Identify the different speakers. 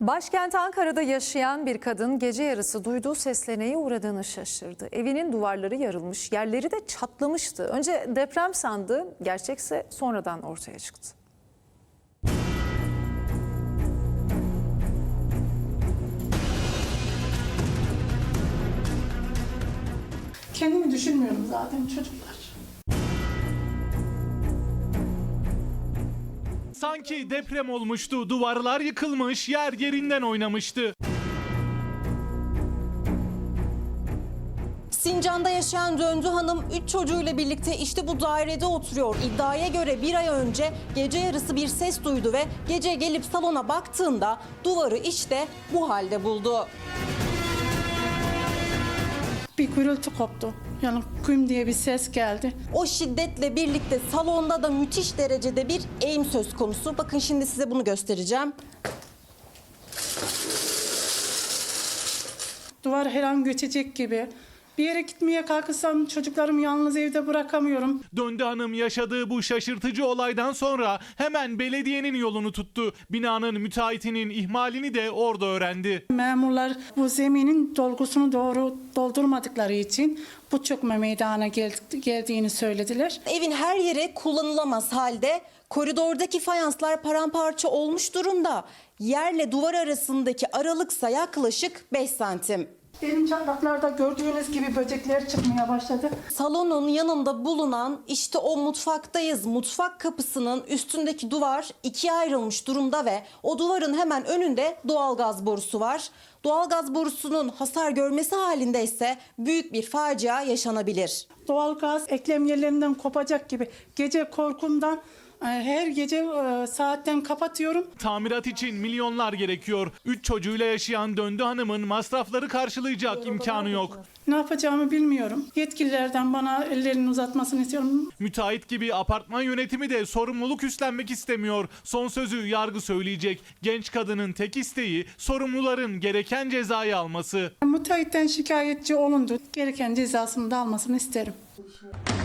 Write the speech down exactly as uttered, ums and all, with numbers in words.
Speaker 1: Başkent Ankara'da yaşayan bir kadın gece yarısı duyduğu sesle neye uğradığını şaşırdı. Evinin duvarları yarılmış, yerleri de çatlamıştı. Önce deprem sandı, gerçekse sonradan ortaya çıktı.
Speaker 2: Kendimi düşünmüyorum zaten çocuklar.
Speaker 3: Sanki deprem olmuştu, duvarlar yıkılmış, yer yerinden oynamıştı.
Speaker 4: Sincan'da yaşayan Döndü Hanım üç çocuğuyla birlikte işte bu dairede oturuyor. İddiaya göre bir ay önce gece yarısı bir ses duydu ve gece gelip salona baktığında duvarı işte bu halde buldu.
Speaker 2: Bir gürültü koptu. Yani küm diye bir ses geldi.
Speaker 4: O şiddetle birlikte salonda da müthiş derecede bir eğim söz konusu. Bakın şimdi size bunu göstereceğim.
Speaker 2: Duvar her an göçecek gibi. Bir yere gitmeye kalkırsam çocuklarımı yalnız evde bırakamıyorum.
Speaker 3: Döndü Hanım yaşadığı bu şaşırtıcı olaydan sonra hemen belediyenin yolunu tuttu. Binanın müteahhitinin ihmalini de orada öğrendi.
Speaker 2: Memurlar bu zeminin dolgusunu doğru doldurmadıkları için bu çökme meydana gel geldiğini söylediler.
Speaker 4: Evin her yeri kullanılamaz halde. Koridordaki fayanslar paramparça olmuş durumda. Yerle duvar arasındaki aralıksa yaklaşık beş santim.
Speaker 2: Benim çatlaklarda gördüğünüz gibi böcekler çıkmaya başladı.
Speaker 4: Salonun yanında bulunan işte o mutfaktayız. Mutfak kapısının üstündeki duvar ikiye ayrılmış durumda ve o duvarın hemen önünde doğalgaz borusu var. Doğalgaz borusunun hasar görmesi halinde ise büyük bir facia yaşanabilir.
Speaker 2: Doğalgaz eklem yerlerinden kopacak gibi. Gece korkumdan her gece saatten kapatıyorum.
Speaker 3: Tamirat için milyonlar gerekiyor. Üç çocuğuyla yaşayan Döndü Hanım'ın masrafları karşılayacak imkanı yok.
Speaker 2: Ne yapacağımı bilmiyorum. Yetkililerden bana ellerini uzatmasını istiyorum.
Speaker 3: Müteahhit gibi apartman yönetimi de sorumluluk üstlenmek istemiyor. Son sözü yargı söyleyecek. Genç kadının tek isteği sorumluların gereken cezayı alması.
Speaker 2: Müteahhitten şikayetçi olundu. Gereken cezasını da almasını isterim.